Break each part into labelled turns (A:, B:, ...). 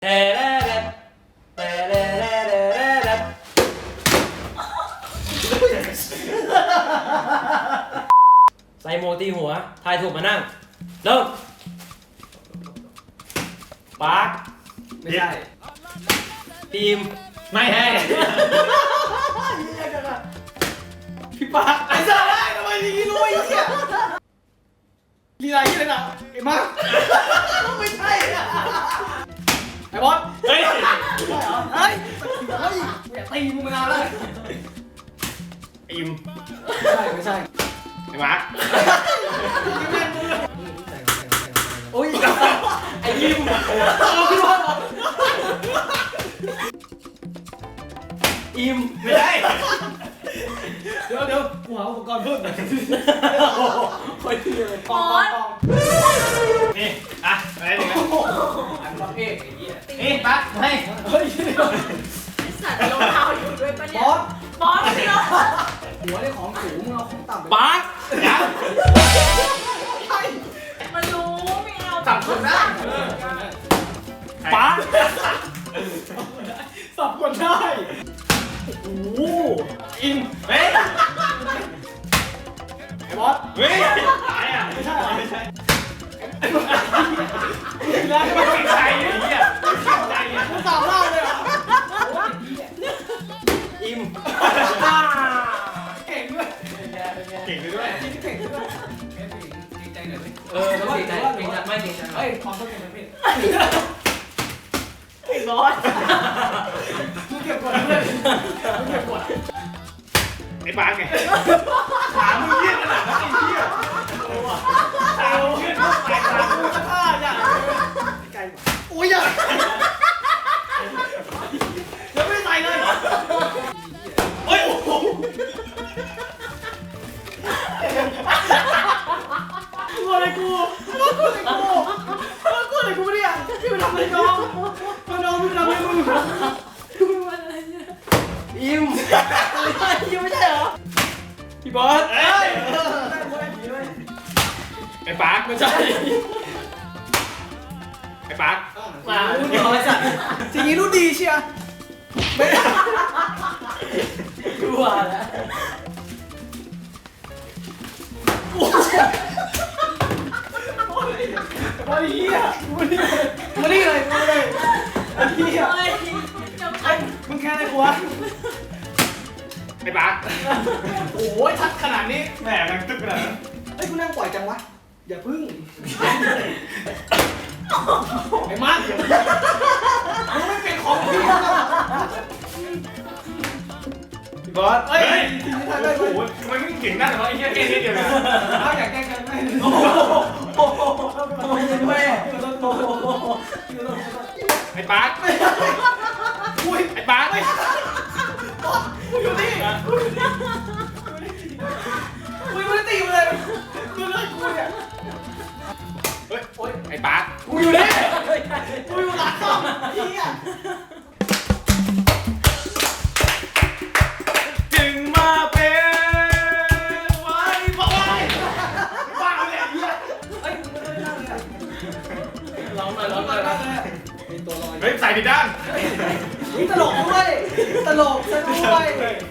A: ใส่โมตีหัวทายถูกมานั่งเริ่มปาร์ค
B: ไม่ใช่
A: ทีม
B: ไม่ให้พี่ปาร์คไอ้สัตว์ได้ทำไมอย่างนี้รู้ไอ้เหี้ยลีลาที่ไหนนะไอ้มาร์คไม่ใช่ไอ้บอสเฮ้ยเฮ้ยอย่าตีมึงมานานแล้ว
A: อิม
B: ไม่ใช่
A: ไอ้มาร์ค
B: โอ้ย
A: ไอ้ยิมอิม
B: ไม่ได้เดี๋ยวกูหาอุปกรณ์เพิ่มหน่อยคอยทีเลยปอง
A: นี่อ่ะอะไรหนึ่ง
B: อันประเภทไอ้เหี้ยนี่ปั๊บให้เฮ้ย
C: สัตว์รองเท้าอยู่ด้วยปะเนี่ยบอสเนาะ
B: หัวได้ของสูงมึงเอาของต่ำไป
A: ปาร์ค
C: มันรู้ไม่เอา
B: สับคนได้
A: ปาร์ค
B: สับคนได้
A: โอ้อิม
B: เฮ้ยไอ้บอส
A: เฮ้ย
B: ไม่ใช่ไม่ใช่
A: แล้วไม่เป็นใครไอ้เหี้ยใจอ่ะ
B: มึงสาวเล่าเลยเหรอ
A: อิม
B: เก่งด้วย
A: เก่งด้วย
B: เก่งด้วยดีใจหน่อย
A: ดีใจไม่ดีใจ
B: เฮ้ยความต้องการพี่
C: ไอ้บอส
B: มึงเก็บกดเลยมึงเก็บกด
A: ไอ้ปาร์คไงขามึงเยี่ยขนาดนั้นไอ้เหี้ยขามึงเยี่ยไปขามึงจะฆ่าอย่าง
B: ไกลโอ้ยยังไม่ใส่เลย
A: เฮ้ยโอ้โห
B: กลัวอะไรกูไม่ได้พี่ไปทำอะไรน้องพี่ทำอะไรมึง
A: อิม
C: ยังไม่ใช่เหรอ
A: พี่บอสไอ้ปาร์คไม่ใช่ไอ้ปาร์ค
B: มารุ่นน้อยสัตว์สิ่งนี้รุ่นดีเชียไม่
A: กลัวแล้ว
B: มาดิเฮียมาดิเลยเฮียมึงแค่ไหนกูวะ
A: ไอ้ปาร์ค
B: โอ้ยทัดขนาดนี้
A: แหมมันตึ๊กขนาดนั้น
B: เฮ้ยกูนั่งปล่อยจังวะอย่าพึ่งไอ้มาร์คมึงไม่เป็นของพี่
A: พี่บอสเฮ้ยโอ้โหทำไมไม่เก่งนักเลยวะไอ้เหี้ยเก่งนิดเดียวนะ
B: ถ้าอยากแก้กันไม่
A: โอ้โหไอ้ปาร์ค
B: อุ้ย
A: ไอ้ปาร์ค
B: อยู่นี่มึงไม่ได้ตีมันเลยมึงเลิกกูเนี่ย
A: เฮ้ยโอ๊ยไอ้ปาร์ค
B: กูอยู่นี่กูอยู่หลังกล้องเฮีย
A: จึงมาเป็นไว้บอกไว้บ้าเลยเฮีย
B: เฮ้ยมึงไม่ได้นั่งเลย
A: ร้องหน่อย
B: มีตัวลอย
A: เฮ้ยใส่ผิดด้าน
B: นี่ตลกด้วยตลกซะด้วย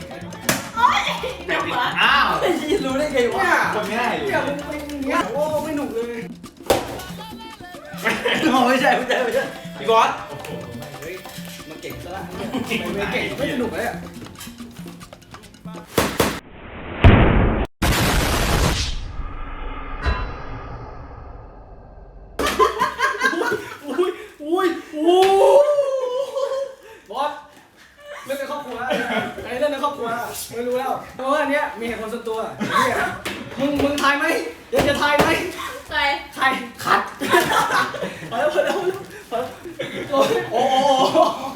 A: อ้าว
B: รู้ได้ไงวะ
A: คนง่าย
B: เนี่ยมึงเป็นอย่างเงี้ยโอ้ไม่หนุกเลย
A: ไม่ใช่พี่บอส
B: เฮ้ยมันเก่งซะละไม่เก่งไม่สนุกเลยอ่ะอุ้ยบอสเล่นในครอบครัวไอ้เล่นในครอบครัวไม่รู้แล้วเพราะว่าอันเนี้ยมีเหตุผลส่วนตัวมึงทายไหมอยากจะทายไหม
C: ใคร
B: ขัดพอแล้วโอ้